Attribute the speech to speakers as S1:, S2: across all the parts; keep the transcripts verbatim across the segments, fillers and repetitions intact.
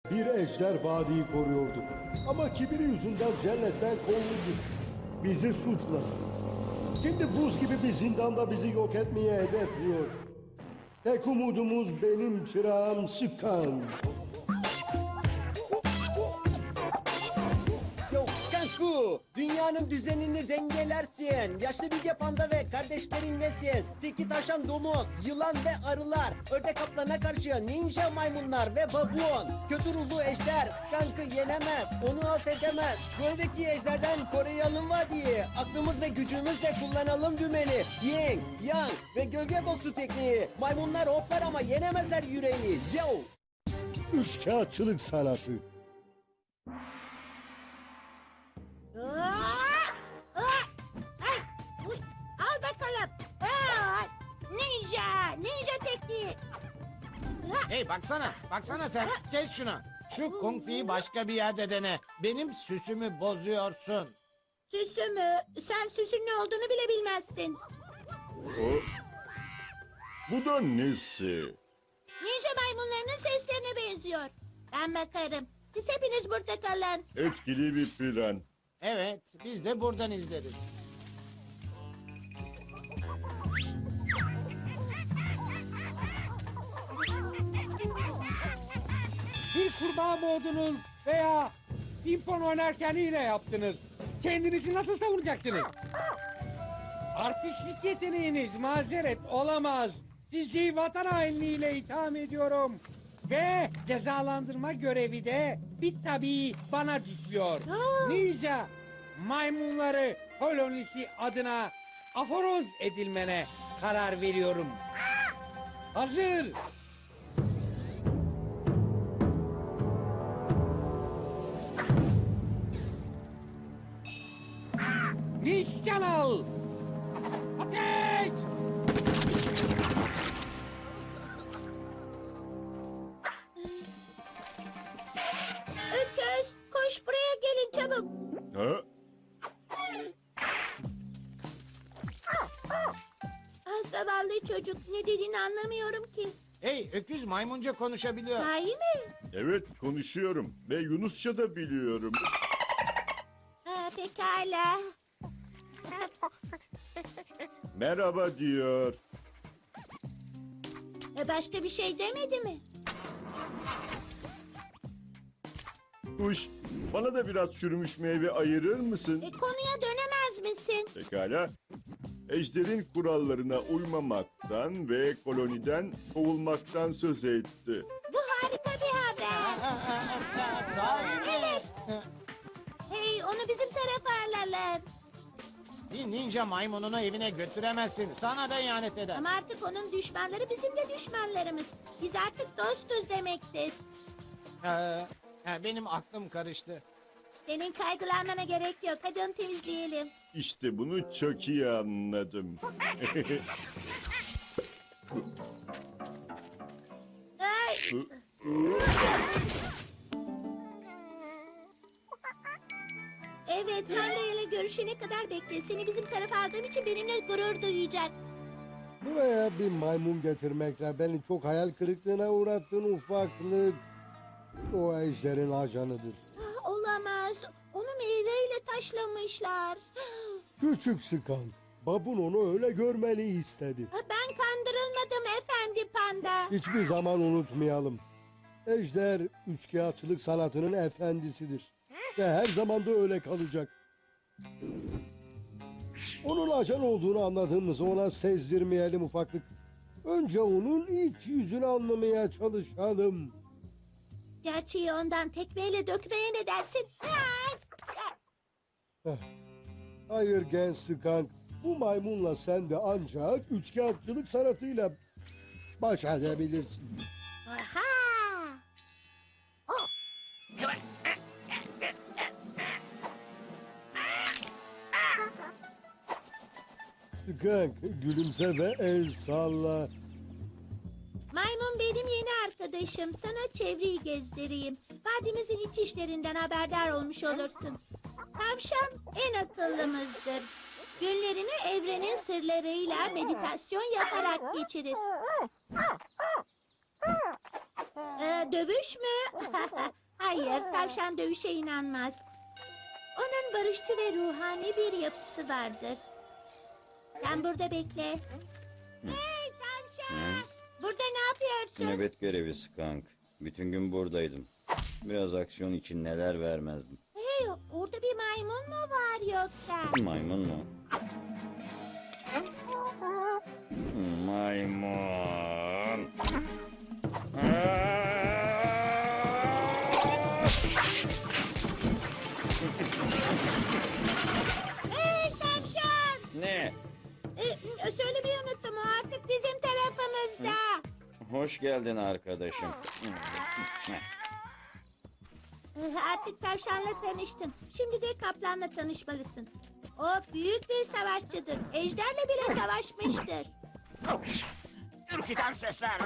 S1: Bir ejder vadiyi koruyordu. Ama kibiri yüzünden cennetten kovuldu. Bizi suçladı. Şimdi buz gibi bir zindanda bizi yok etmeye hedefliyor. Tek umudumuz benim çırağım Sıkan.
S2: Yo Skanku, dünyanın düzenini dengelersin. Yaşlı bilge panda ve kardeşlerin nesin? Tiki taşan domuz, yılan ve arılar, ördek kaplana karşı ninja maymunlar ve babuon. Kötü ruhlu ejder Skank'ı yenemez, onu alt edemez. Göldeki ejderden koruyalım vadiyi. Aklımız ve gücümüzle kullanalım dümeni. Yin, yang ve gölge boksu tekniği. Maymunlar hoplar ama yenemezler yüreği. Yo!
S1: Üçkağıtçılık sanatı.
S3: Aa! Aa! Ay! Uy! Al bakalım. Aa! Ninja! Ninja tekniği. Aa!
S4: Hey baksana, baksana sen. Kes şunu. Şu kung fu'yu başka bir yerde dene. Benim süsümü bozuyorsun.
S3: Süsü mü? Sen süsün ne olduğunu bile bilmezsin.
S5: O... Bu da nesi?
S3: Ninja maymunlarının seslerine benziyor. Ben bakarım. Siz hepiniz burada kalın.
S5: Etkili bir plan.
S4: Evet, biz de buradan izleriz.
S6: Bir kurbağa mı oldunuz veya pimpon oynarken hile yaptınız? Kendinizi nasıl savunacaksınız? Artistlik yeteneğiniz mazeret olamaz. Sizi vatan hainliğiyle itham ediyorum. Ve cezalandırma görevi de bir tabii bana düşüyor.
S3: Aa!
S6: Ninja maymunları kolonisi adına aforoz edilmene karar veriyorum. Hazır. Nişan al! Ateş!
S3: Öküz, koş buraya gelin çabuk.
S5: Ha?
S3: Ah, zavallı çocuk, ne dediğini anlamıyorum ki.
S4: Hey, öküz maymunca konuşabiliyor.
S3: Sahi mi?
S5: Evet konuşuyorum ve Yunusça da biliyorum.
S3: Ha, pekala.
S5: Merhaba diyor.
S3: E, Başka bir şey demedi mi?
S5: Kuş, bana da biraz çürümüş meyve ayırır mısın?
S3: E, konuya dönemez misin?
S5: Pekala. Ejder'in kurallarına uymamaktan ve koloniden kovulmaktan söz etti.
S3: Bu harika bir haber.
S4: Sahi mi?
S3: Evet. Hey, onu bizim tarafa alalım.
S4: Bir ninja maymununu evine götüremezsin. Sana da ihanet eder.
S3: Ama artık onun düşmanları bizim de düşmanlarımız. Biz artık dostuz demektir.
S4: Ee, ha, benim aklım karıştı.
S3: Senin kaygılanmana gerek yok. Hadi onu temizleyelim.
S5: İşte bunu çok iyi anladım.
S3: Ay. Evet, Panda ile görüşene kadar bekle. Seni bizim tarafa aldığım için benimle gurur duyacak.
S1: Buraya bir maymun getirmekle beni çok hayal kırıklığına uğrattın ufaklık. O ejderin ajanıdır.
S3: Ah, olamaz. Onu meyveyle taşlamışlar.
S1: Küçük Sıkan. Babun onu öyle görmeni istedi.
S3: Ah, ben kandırılmadım efendi Panda.
S1: Hiçbir zaman unutmayalım. Ejder üçkağıtçılık sanatının efendisidir. Ve her zaman da öyle kalacak. Onun ajan olduğunu anladığımızı ona sezdirmeyelim ufaklık. Önce onun iç yüzünü anlamaya çalışalım.
S3: Gerçeği ondan tekmeyle dökmeye ne dersin? Ay!
S1: Eh, Hayır genç Sıkan. Bu maymunla sen de ancak üçkağıtçılık sanatıyla baş edebilirsin.
S3: Aha!
S1: Sıkan gülümse ve el salla.
S3: Maymun benim yeni arkadaşım. Sana çevreyi gezdireyim. Vadimizin iç işlerinden haberdar olmuş olursun. Tavşan en akıllımızdır. Günlerini evrenin sırlarıyla meditasyon yaparak geçirir. Ee, dövüş mü? Hayır, tavşan dövüşe inanmaz. Onun barışçı ve ruhani bir yapısı vardır. Sen burada bekle. Hey tavşan! Burada ne yapıyorsun?
S7: Nöbet görevi Skunk. Bütün gün buradaydım. Biraz aksiyon için neler vermezdim.
S3: Hey, orada bir maymun mu var yoksa?
S7: Maymun mu? Maymun.
S3: Hey tavşan!
S7: Ne?
S3: Ee, söylemeyi unuttum, o artık bizim tarafımızda.
S7: Hoş geldin arkadaşım.
S3: Ee, Artık tavşanla tanıştın. Şimdi de kaplanla tanışmalısın. O büyük bir savaşçıdır. Ejderle bile savaşmıştır.
S8: Ürküten sesler.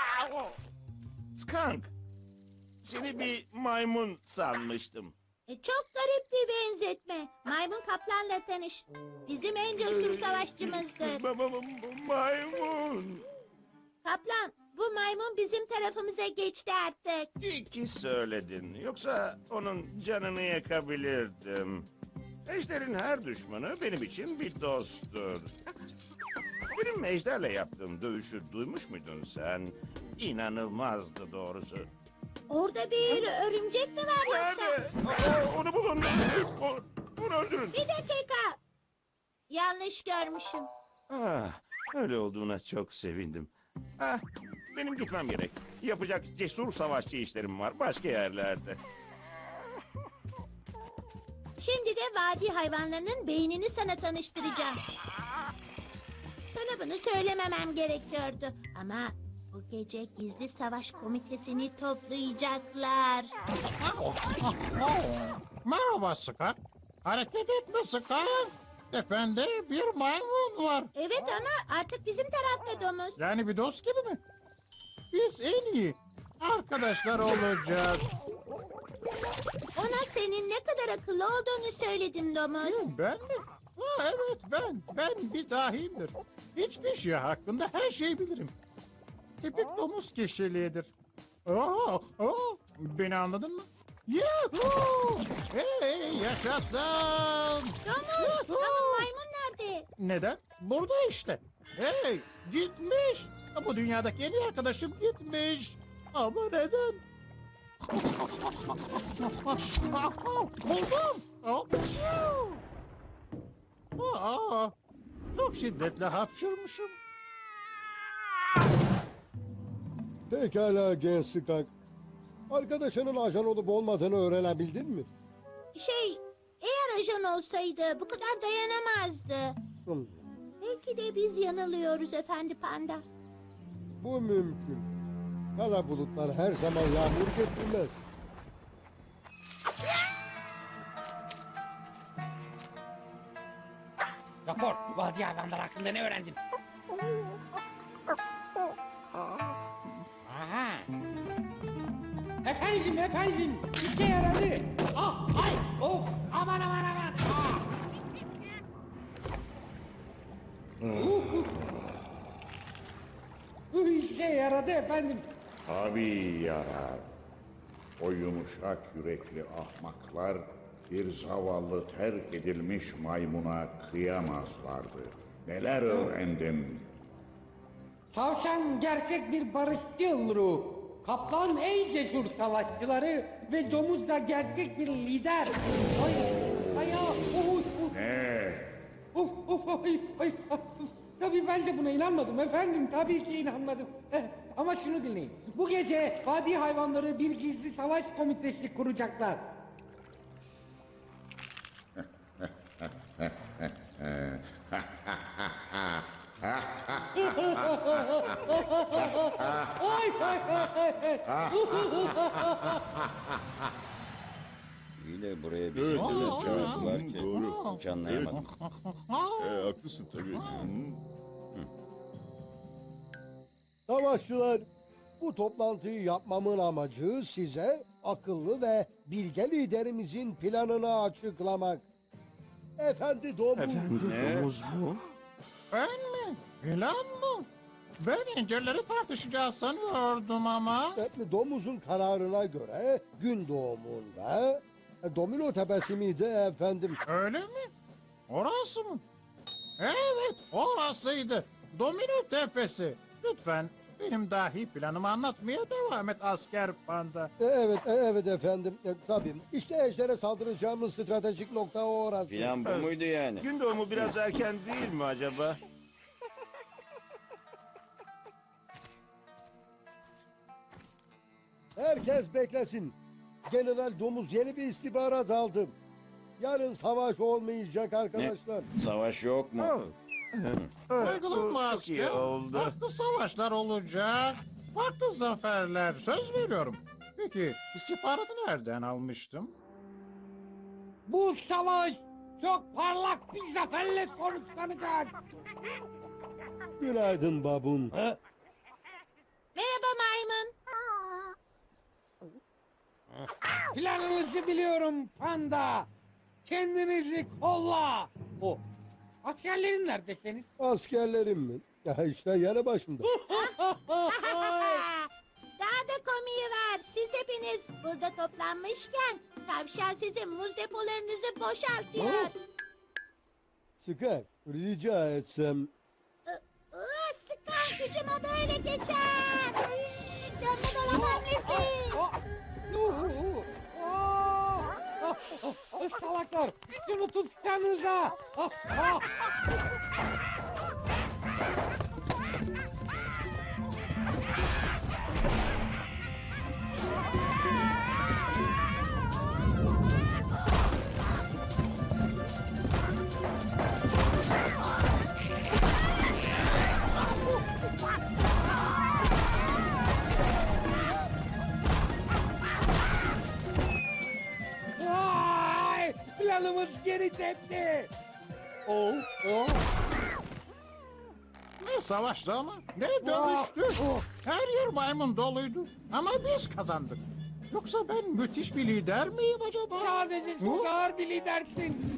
S8: Skunk. Seni bir maymun sanmıştım.
S3: E, çok garip bir benzetme. Maymun kaplanla tanış. Bizim en cesur savaşçımızdır.
S8: Ma- ma- ma- Maymun.
S3: Kaplan, bu maymun bizim tarafımıza geçti artık.
S8: İyi ki söyledin. Yoksa onun canını yakabilirdim. Ejder'in her düşmanı benim için bir dosttur. Benim Ejder'le yaptığım dövüşü duymuş muydun sen? İnanılmazdı doğrusu.
S3: Orada bir örümcek mi var yoksa?
S8: Nerede? Aa, onu bulun. O- Onu öldürün.
S3: Bir dakika. Yanlış görmüşüm.
S8: Ah, öyle olduğuna çok sevindim. Ah, benim gitmem gerek. Yapacak cesur savaşçı işlerim var başka yerlerde.
S3: Şimdi de vadi hayvanlarının beynini sana tanıştıracağım. Sana bunu söylememem gerekiyordu. Ama bu gece gizli savaş komitesini toplayacaklar.
S4: Merhaba Skunk. Hareket etme Skunk. Tepende bir maymun var.
S3: Evet ama artık bizim tarafta domuz.
S4: Yani bir dost gibi mi? Biz en iyi arkadaşlar olacağız.
S3: Ona senin ne kadar akıllı olduğunu söyledim domuz.
S4: Ben mi? Ha, evet ben. Ben bir dahiyimdir. Hiçbir şey hakkında her şeyi bilirim. Tipik domuz kişiliğidir. Oo, oo, beni anladın mı? Yuhuu! Hey yaşasın!
S3: Domuz,
S4: Yuhuu!
S3: ama maymun nerede?
S4: Neden? Burada işte. Hey gitmiş. Bu dünyadaki en iyi arkadaşım gitmiş. Ama neden? Buldum. Hapşu! Aa, çok şiddetle hapşırmışım.
S1: Pekala genç Skunk. Arkadaşının ajan olup olmadığını öğrenebildin mi?
S3: Şey, eğer ajan olsaydı bu kadar dayanamazdı.
S1: Hmm,
S3: Belki de biz yanılıyoruz efendi panda.
S1: bu mümkün. Kara bulutlar her zaman yağmur getirmez.
S6: Rapor, vadi hayvanlar hakkında ne öğrendin? Aha. Efendim, efendim, işe yaradı. Ah, ay, of, aman aman aman. Ah. Uh, uh. Uh, İşe yaradı efendim.
S9: Tabii yarar. O yumuşak yürekli ahmaklar bir zavallı terk edilmiş maymuna kıyamazlardı. Neler öğrendim.
S6: Tavşan gerçek bir barışçıl ruh. Kaplan en cesur savaşçıları ve domuz da gerçek bir lider. Ay, ay, ah, oy, oy.
S9: Ne?
S6: Of of ay ay. ah, Tabii ben de buna inanmadım efendim. Tabii ki inanmadım. Eh, ama şunu dinleyin. Bu gece vadi hayvanları bir gizli savaş komitesi kuracaklar. Ay ay ay ay.
S7: İyi de buraya bir
S5: Evet,
S7: şey
S5: evet,
S7: çağırdılar
S5: evet.
S7: ki.
S5: Doğru.
S7: Hiç anlayamadım.
S5: Ee, haklısın tabii. Hı.
S1: Savaşçılar, bu toplantıyı yapmamın amacı size akıllı ve bilge liderimizin planını açıklamak. Efendi domuz.
S8: Efendi domuz mu?
S4: Ben mi? Plan mı? Ben incirleri tartışacağız sanıyordum ama.
S1: E, Domuzun kararına göre gün doğumunda e, domino tepesi miydi efendim?
S4: Öyle mi? Orası mı? Evet, orasıydı. Domino tepesi. Lütfen benim dahi planımı anlatmaya devam et asker panda.
S1: E, evet, e, evet efendim. E, tabii. İşte ejdere saldıracağımız stratejik nokta orası.
S7: Plan bu muydu yani?
S8: Gün doğumu biraz erken değil mi acaba?
S1: Herkes beklesin. General Domuz yeni bir istihbarat aldı. Yarın savaş olmayacak arkadaşlar.
S7: Savaş yok mu?
S8: Oh.
S4: Kaygılanma
S8: Bu çok iyi
S4: asker.
S8: oldu.
S4: Farklı savaşlar olacak. Farklı zaferler. Söz veriyorum. Peki istihbaratı nereden almıştım?
S6: Bu savaş çok parlak bir zaferle sonuçlanacak.
S1: Günaydın babun.
S3: Merhaba maymun.
S6: Planınızı biliyorum panda. Kendinizi kolla. O. Askerlerin nerede senin?
S1: Askerlerim mi? Ya işte yanı başımda.
S3: Daha da komiği var. Siz hepiniz burada toplanmışken tavşan sizin muz depolarınızı boşaltıyor.
S1: Sıkar, rica etsem.
S3: Iı, sıkan gücüme böyle geçer. Dönme dolap hamlesi.
S6: Oh. Yuhu. Oh. Oh. Oh. Salaklar. Şunu tutsanıza. Oh. Oh. Vay! Planımız geri tepti. Oh. Oh.
S4: Ne savaştı ama ne dövüştü.
S6: Oh.
S4: Her yer maymun doluydu. Ama biz kazandık. Yoksa ben müthiş bir lider miyim acaba?
S6: Sadece çok ağır bir lidersin.